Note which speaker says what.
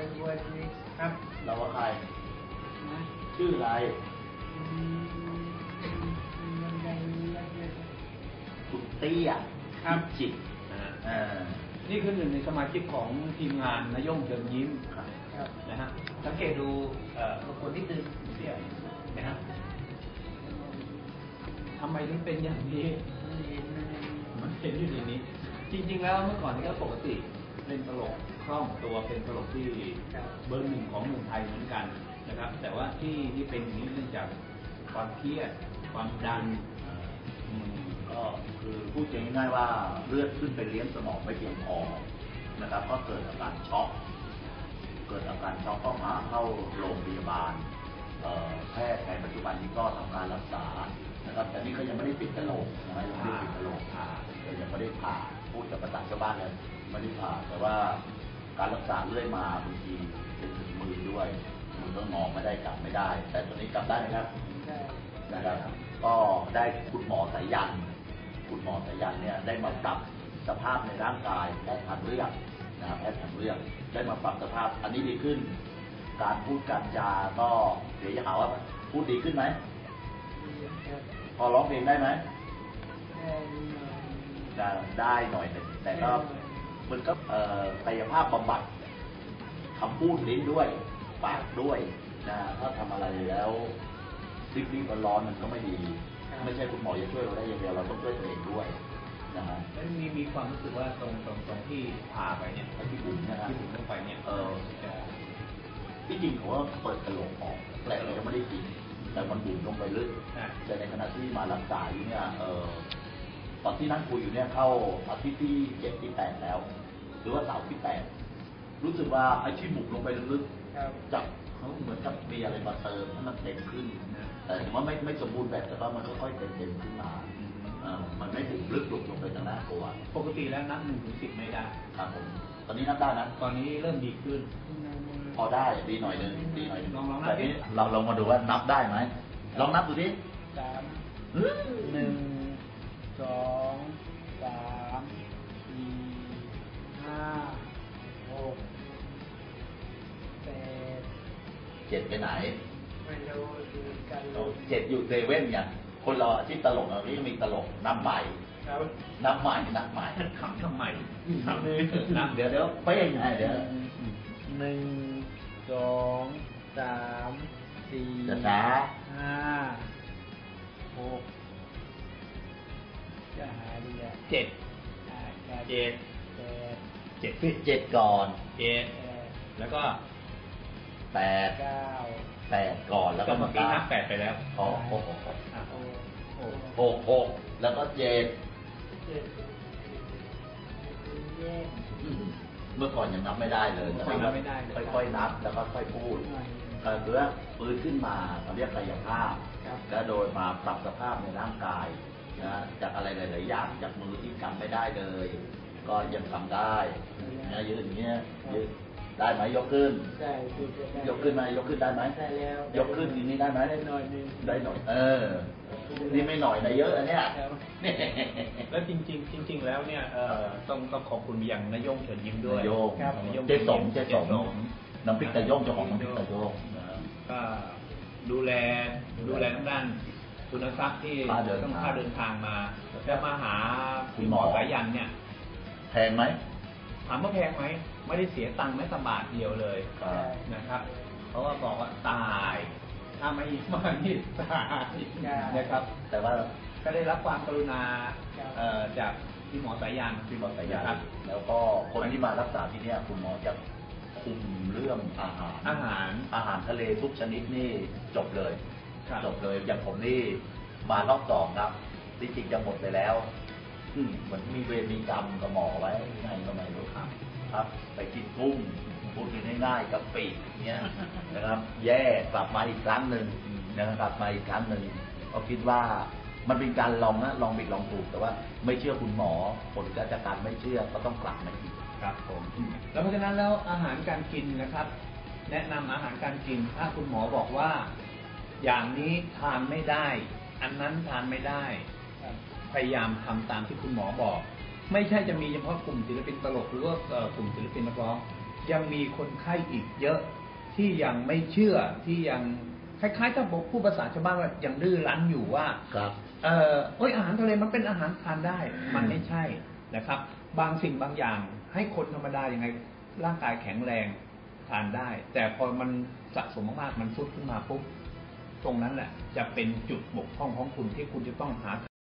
Speaker 1: วันนี้ครับ
Speaker 2: เราว่าใครชื่ออะไรคุณเตี้ยครับจิต
Speaker 3: นี่คือหนึ่งในสมาชิกของทีมงานนายงเชิญยิ้มนะฮะสังเกตดูคนที่ตื่นเตี้ยนะฮะทำไมถึงเป็นอย่างนี้มันเห็นอยู่ในนี้จริงๆแล้วเมื่อก่อนนี่ก็ปกติเล่นตลกคล่องตัวเป็นตลกที่เบอร์หนึ่งของเมืองไทยเหมือนกันนะครับแต่ว่าที่เป็นอย่างนี้เนื่องจากความเครียดความดัน
Speaker 2: ก็คือพูดง่ายๆว่าเลือดขึ้นไปเลี้ยงสมองไม่เพียงพอนะครับก็เกิดอาการช็อกต้องมาเข้าโรงพยาบาลแพทย์ในปัจจุบันนี้ก็ทำการรักษานะครับแต่นี่เขายังไม่ได้ปิดกระโหลกนะยังไม่ได้ปิดกระโหลกยังไม่ได้ผ่าพูดกับภาษาชาวบ้านเลยไม่ได้ผ่าแต่ว่าการรักษาเรื่อยมาบางทีเป็นถึงมือด้วยมือก็งอไม่ได้กลับไม่ได้แต่ตอนนี้กลับได้นะครับนะครับก็ได้คุณหมอสายันเนี่ยได้มาปรับสภาพในร่างกายแพทย์ทางเลือกนะครับแพทย์ทางเลือกได้มาปรับสภาพอันนี้ดีขึ้นการพูดการจาก็เดี๋ยวจะหาว่าพูดดีขึ้นไหมพอร้องเพลงได้ไหมได้หน่อยแต่ก็มันก็กายภาพบำบัดคำพูดลิ้นด้วยปากด้วยนะถ้าทำอะไรแล้วรีบร้อนมันก็ไม่ดีไม่ใช่คุณหมอจะช่วยเราได้อย่างเดียวเราต้องช่วยตัวเองด้วยนะฮะ
Speaker 3: แล้วมีความรู้สึกว่าตรงที่ผ่าไปเนี่ย
Speaker 2: ที่บุ๋มนะครับ
Speaker 3: ที่บุ๋มลงไปเนี่ย
Speaker 2: ที่จริงเขาว่าเปิดกระโหลกออกแต่เรายังไม่ได้กินแต่มันบุ๋มลงไปลึกแต่ในขณะที่มารักษาอยู่เนี่ยตอนที่นั่งคุยอยู่เนี่ยเข้าอาทิตย์ที่7 ที่ 8แล้วหรือว่าเสาร์ที่8รู้สึกว่าไอ้ที่บุ๋มลงไปลึกๆจากเขาเหมือนกับมีอะไรมาเติมให้มันเต็มขึ้นแต่ถือว่าไม่สมบูรณ์แบบแต่ว่ามันค่อยๆเต็มขึ้นมามันไม่ถึงลึกลงไปทางหน้าตัว
Speaker 3: ปกติแล้วนับ1 ถึง 10ไม่ได้
Speaker 2: ครับผมตอนนี้นับได้นะ
Speaker 3: ตอนนี้เริ่มดีขึ้น
Speaker 2: พอได้ดีหน่อยนึงลองนับนี้เราลองมาดูว่านับได้ไหมลองนับดูดิ
Speaker 1: 3 1 2 3 4 5 6
Speaker 2: 7ไปไหน
Speaker 1: ไม่รู้กัน
Speaker 2: 7อยู่เซเว่นเนี่ยคนเราที่ตลกเราที่มีตลกนับใหม่นับใหม่
Speaker 3: ขำทำไม
Speaker 2: นับเดี๋ยวไปยังไงเดี๋ยว
Speaker 1: 1 2 3 4 5 6จะหาดีอ่ะ7
Speaker 2: ก่อน
Speaker 3: แล้วก็
Speaker 2: 8ก่อนแล้วก็
Speaker 3: เมื่อกี้นับ8ไปแล้ว
Speaker 2: 6แล้วก็7เมื่อก่อนยังนับไม่ได้เลยค่อยๆนับแล้วก็ค่อยพูดเพื่อฟื้นขึ้นมาเขาเรียกกายภาพแล้วโดยมาปรับสภาพในร่างกายนะจากอะไรหลายๆอย่างจากมือที่กำไม่ได้เลยก็ยังทำได้นะยืนอย่างเงี้ยยืนได้ไหมยกขึ้นยกขึ้นไหมยกขึ้นได้ไหม
Speaker 1: ได้แล้ว
Speaker 2: ยกขึ้นทีนี้ได้ไหม
Speaker 1: ได้หน่อยนึง
Speaker 2: ได้หน่อยนี่ไม่หน่อยนะเยอะอันเนี้ย
Speaker 3: แล้วจริงแล้วเนี่ยต้องขอบคุณอย่างนายงเฉินยิ้มด้วย
Speaker 2: เจ๊สมน้ำพริกตะย่งเจ้าของน้ำพริกตะย่ง
Speaker 3: ก็ดูแลทางด้านทุนทรัพย์ที่ต้องค่าเดินทางมาแล้วมาหาคุณหมอสายันเนี่ย
Speaker 2: แพงไหม
Speaker 3: ถามว่าแพงไหมไม่ได้เสียตังค์แม้แต่บาทเดียวเลยนะครับเพราะว่าบอกว่าตายถ้าไม่มานี่ตายนะครับแต่ว่าก็ได้รับความกรุณาจากพี่หมอสายัน
Speaker 2: ครับแล้วก็คนที่มารักษาที่นี่คุณหมอจะคุมเรื่องอาหารทะเลทุกชนิดนี่จบเลยอย่างผมนี่มารอบ2ครับที่จริงจะหมดไปแล้วเหมือนมีเวรมีกรรมกับหมอไว้ไงก็ไม่รู้ครับไปกินกุ้งพูดง่ายๆกับปีกเนี้ยนะครับแย่กลับมาอีกครั้งหนึ่งนะครับมาอีกครั้งหนึ่งก็คิดว่ามันเป็นการลองผิดลองถูกแต่ว่าไม่เชื่อคุณหมอผลจากการไม่เชื่อก็ต้องกลับมาอีก
Speaker 3: ครับผมแล้วเพราะฉะนั้นแล้วอาหารการกินนะครับแนะนำอาหารการกินถ้าคุณหมอบอกว่าอย่างนี้ทานไม่ได้อันนั้นทานไม่ได้พยายามทำตามที่คุณหมอบอกไม่ใช่จะมีเฉพาะกลุ่มศิลปินตลกหรือว่ากลุ่มศิลปินนักร้อง
Speaker 4: ยังมีคนไข้อีกเยอะที่ยังไม่เชื่อที่ยังคล้ายๆถ้าบอกผู้ภาษาชาวบ้านว่ายังดื้อรั้นอยู่ว่า
Speaker 2: ครับ
Speaker 4: อาหารทะเลมันเป็นอาหารทานได้ มันไม่ใช่นะครับ บางสิ่งบางอย่างให้คนธรรมดายังไงร่างกายแข็งแรงทานได้ แต่พอมันสะสมมากๆมันฟุดขึ้นมาปุ๊บตรงนั้นแหละจะเป็นจุดบกพร่องของคุณที่คุณจะต้องหา